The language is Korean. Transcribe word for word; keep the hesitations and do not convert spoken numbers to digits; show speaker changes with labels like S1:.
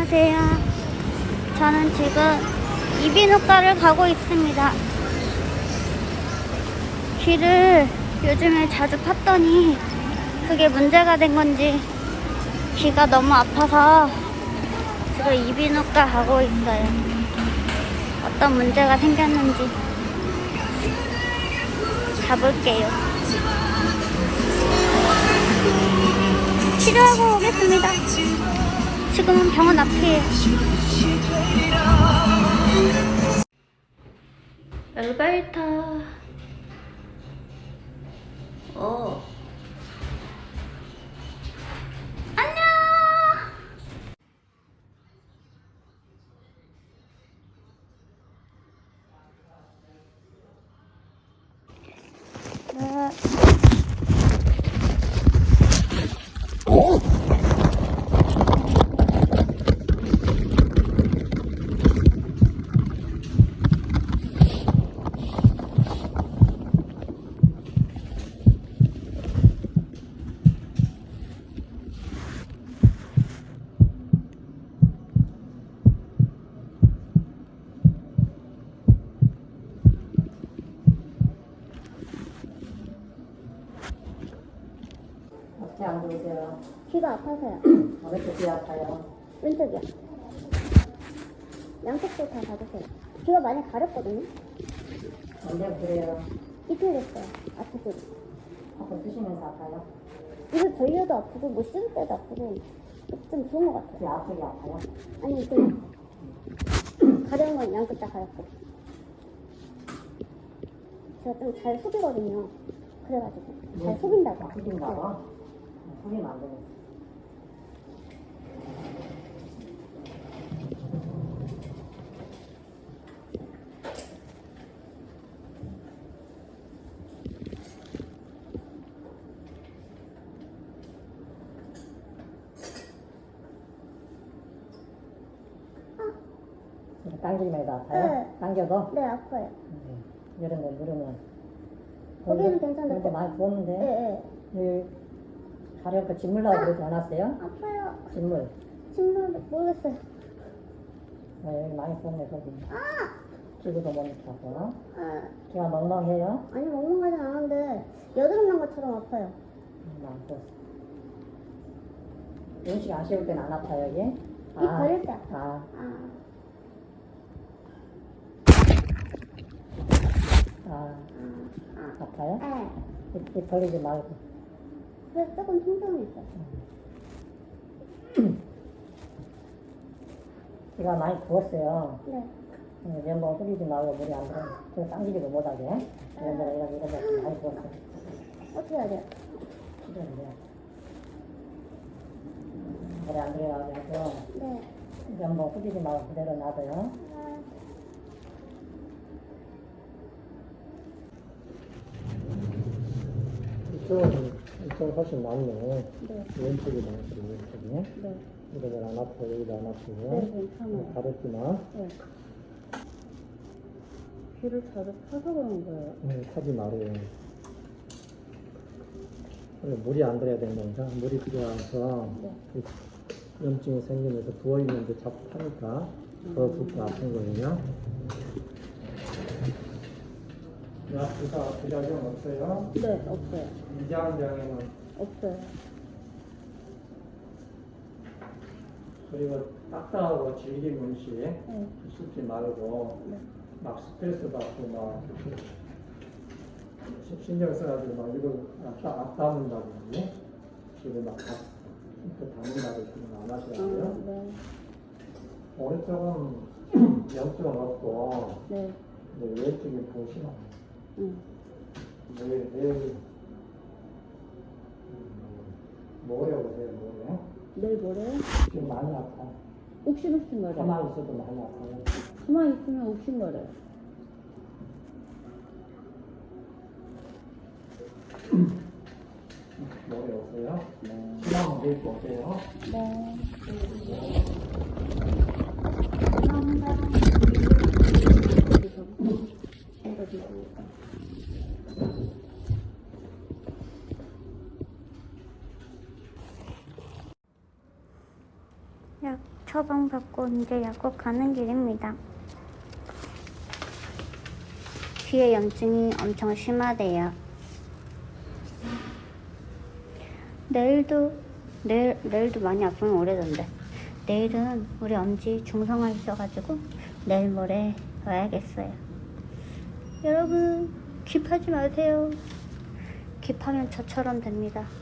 S1: 안녕하세요. 저는 지금 이비인후과를 가고 있습니다. 귀를 요즘에 자주 팠더니 그게 문제가 된 건지 귀가 너무 아파서 지금 이비인후과 가고 있어요. 어떤 문제가 생겼는지 가볼게요. 치료하고 오겠습니다. 지금은 병원 앞이에요. 엘리베이터. 어. 안녕. 네.
S2: 어떻게 안 좋으세요?
S1: 귀가 아파서요.
S2: 어느 쪽이 아파요?
S1: 왼쪽이요. 양쪽도 다 받으세요. 귀가 많이 가렵거든요.
S2: 언제 그래요?
S1: 이틀 됐어요. 아프고.
S2: 한번 쓰시면서 아파요?
S1: 입을 벌려도 아프고 뭐 씹을 때도 아프고 좀 좋은 것 같아요.
S2: 귀 앞쪽이 아파요?
S1: 아니 그 가려운 건 양끝 다 가렵고. 제가 좀 잘 속이거든요. 그래가지고 잘 속인다고.
S2: 아, 속인다고? 속이면 안 되겠어. 당기기만 해도 아파요?
S1: 네.
S2: 당겨도?
S1: 네, 아파요.
S2: 음, 이런 데 누르면.
S1: 거기는 괜찮은데.
S2: 근데 많이 부었는데?
S1: 네, 네.
S2: 여기 가려니까 진물 나오고 그러지 않았어요?
S1: 아파요.
S2: 진물.
S1: 정말 모르겠어요.
S2: 네, 여기 많이 부었네, 거기.
S1: 아!
S2: 기구도 못 차고.
S1: 아,
S2: 귀가 멍멍해요?
S1: 아니 멍멍하진 않은데 여드름 난 것처럼 아파요.
S2: 음, 안 부었어. 음식 안 씹을 때는 안 아파요, 여기?
S1: 입 벌릴 때 아파.
S2: 아,
S1: 아,
S2: 아,
S1: 아,
S2: 아파요?
S1: 네.
S2: 입, 입 벌리지 말고.
S1: 그래서 조금 통증이 있어요.
S2: 귀가 많이 부었어요.
S1: 네.
S2: 음, 면봉 숙이지 말고 물이 안 들어. 저 당기지도 못하게. 이런 데가 이런 이런 데가 많이 부었어요.
S1: 어떻게 해야 돼요?
S2: 필요한데요. 물이 안 들어가고
S1: 네.
S2: 면봉 숙이지 말고 그대로 놔둬요.
S1: 아,
S2: 이쪽은, 이쪽은 훨씬 낫네.
S1: 네.
S2: 왼쪽이 낫지, 왼쪽이.
S1: 네.
S2: 여기가 안 아프고, 여기가 안 아프고.
S1: 네, 괜찮아요.
S2: 가렸지만,
S1: 네. 귀를 자주 파서 그런 거예요.
S2: 네, 타지 말아요. 원래 물이 안 들어야 되는 거니까, 물이 들어와서,
S1: 네.
S2: 그 염증이 생기면서 부어있는데 자꾸 타니까, 더 붓고 아픈 거예요. 약 주사 부작용 없어요?
S1: 네, 없어요.
S2: 이장병에는
S1: 없어요.
S2: 그리고 딱딱하고 질긴 음식
S1: 네.
S2: 씹지 말고
S1: 네.
S2: 막 스트레스 받고 막 시- 신경 써가지고 막 이걸 딱 앞다문다고 그러지? 이걸 막 다, 이렇게 담는다고 그런 거안 하시라고요?
S1: 아, 네.
S2: 오른쪽은 염증은 없고
S1: 네.
S2: 이제 왼쪽이 보시면
S1: 응.
S2: 내일 내일 모레 오세요 모레.
S1: 내일 모레요?
S2: 지금 많이 아파요.
S1: 욱신욱신거려요.
S2: 가만히 있어도 많이 아파요.
S1: 가만히 있으면 욱신거려요.
S2: 모레 오세요.
S1: 네.
S2: 시간 내일 오세요.
S1: 네. 감사합니다. 약 처방받고 이제 약국 가는 길입니다. 귀에 염증이 엄청 심하대요. 내일도 내일, 내일도 많이 아프면 오래던데. 내일은 우리 엄지 중성화 있어가지고 내일 모레 와야겠어요. 여러분, 깁하지 마세요. 깁하면 저처럼 됩니다.